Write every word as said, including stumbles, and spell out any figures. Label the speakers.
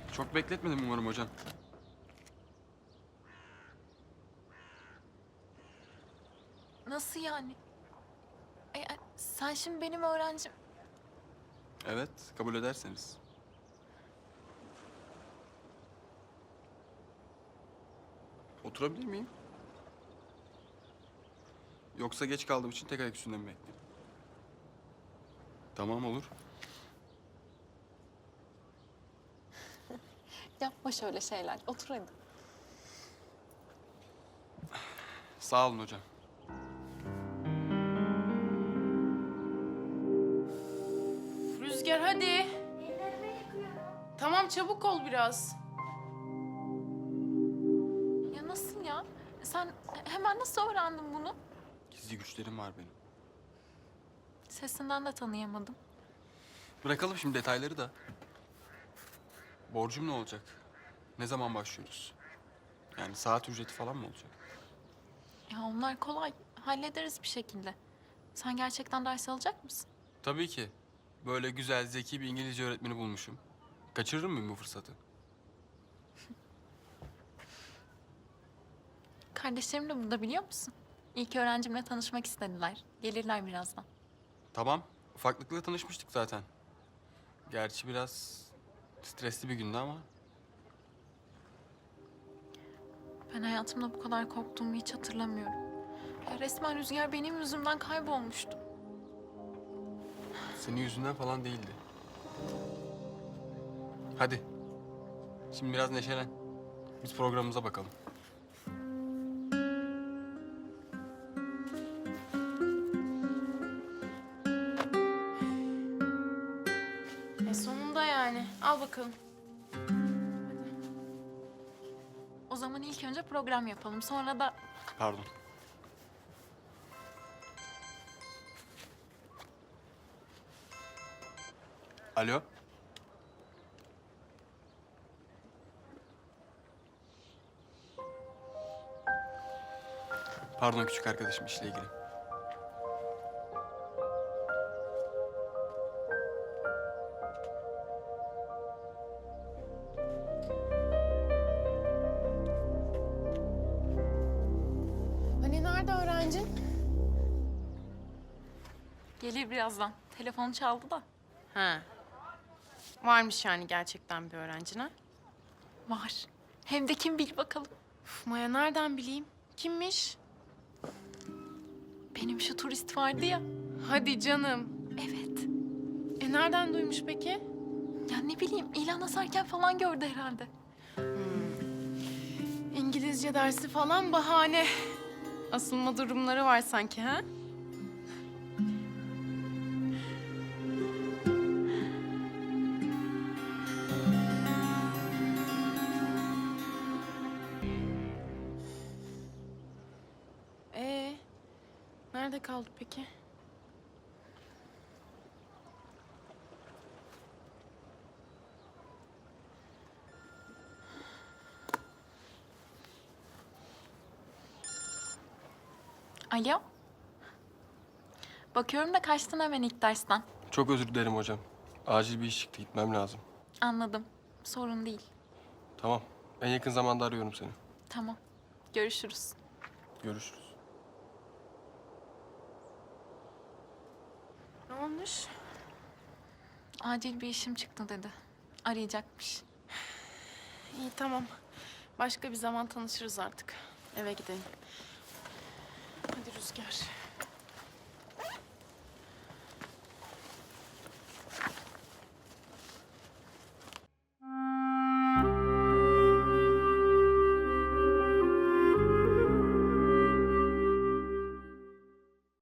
Speaker 1: Çok bekletmedim umarım hocam.
Speaker 2: Nasıl yani? E, e, sen şimdi benim öğrencim.
Speaker 1: Evet, kabul ederseniz. Oturabilir miyim? Yoksa geç kaldığım için tek ayak üstünde mi bekleyeyim? Tamam, olur.
Speaker 2: Yapma şöyle şeyler. Otur hadi.
Speaker 1: Sağ olun hocam.
Speaker 3: Rüzgar hadi. Tamam çabuk ol biraz.
Speaker 2: Ya nasıl ya? Sen hemen nasıl öğrendin bunu?
Speaker 1: Gizli güçlerim var benim.
Speaker 2: Sesinden de tanıyamadım.
Speaker 1: Bırakalım şimdi detayları da. Borcum ne olacak? Ne zaman başlıyoruz? Yani saat ücreti falan mı olacak?
Speaker 2: Ya onlar kolay. Hallederiz bir şekilde. Sen gerçekten ders alacak mısın?
Speaker 1: Tabii ki. Böyle güzel, zeki bir İngilizce öğretmeni bulmuşum. Kaçırır mıyım bu fırsatı?
Speaker 2: Kardeşlerim de burada biliyor musun? İlk öğrencimle tanışmak istediler. Gelirler birazdan.
Speaker 1: Tamam, ufaklıkla tanışmıştık zaten. Gerçi biraz stresli bir gündü ama
Speaker 2: Ben hayatımda bu kadar korktuğumu hiç hatırlamıyorum. Ya resmen Rüzgar benim yüzümden kaybolmuştu.
Speaker 1: senin yüzünden falan değildi. Hadi. Şimdi biraz neşelen. Biz programımıza bakalım.
Speaker 3: E sonunda yani. Al bakalım.
Speaker 2: O zaman ilk önce program yapalım. Sonra da
Speaker 1: Pardon. Alo. Pardon küçük arkadaşım işle ilgili.
Speaker 3: Hani nerede öğrencin?
Speaker 2: gelir birazdan. Telefonu çaldı da.
Speaker 3: Ha. Varmış yani gerçekten bir öğrencin ha?
Speaker 2: Var. Hem de kim bil bakalım.
Speaker 3: Uf, Maya nereden bileyim? Kimmiş?
Speaker 2: Benim şu turist vardı ya.
Speaker 3: Hadi canım.
Speaker 2: Evet.
Speaker 3: E nereden duymuş peki?
Speaker 2: Ya ne bileyim ilan asarken falan gördü herhalde.
Speaker 3: İngilizce dersi falan bahane. Asılma durumları var sanki ha? Ee, nerede kaldı peki?
Speaker 2: Alo. Bakıyorum da kaçtın hemen ilk dersten.
Speaker 1: Çok özür dilerim hocam. Acil bir iş çıktı, gitmem lazım.
Speaker 2: Anladım. Sorun değil.
Speaker 1: Tamam. En yakın zamanda arıyorum seni.
Speaker 2: Tamam. Görüşürüz.
Speaker 1: Görüşürüz.
Speaker 3: Ne olmuş?
Speaker 2: Acil bir işim çıktı dedi. Arayacakmış.
Speaker 3: İyi tamam. Başka bir zaman tanışırız artık. Eve gidelim. Hadi Rüzgar.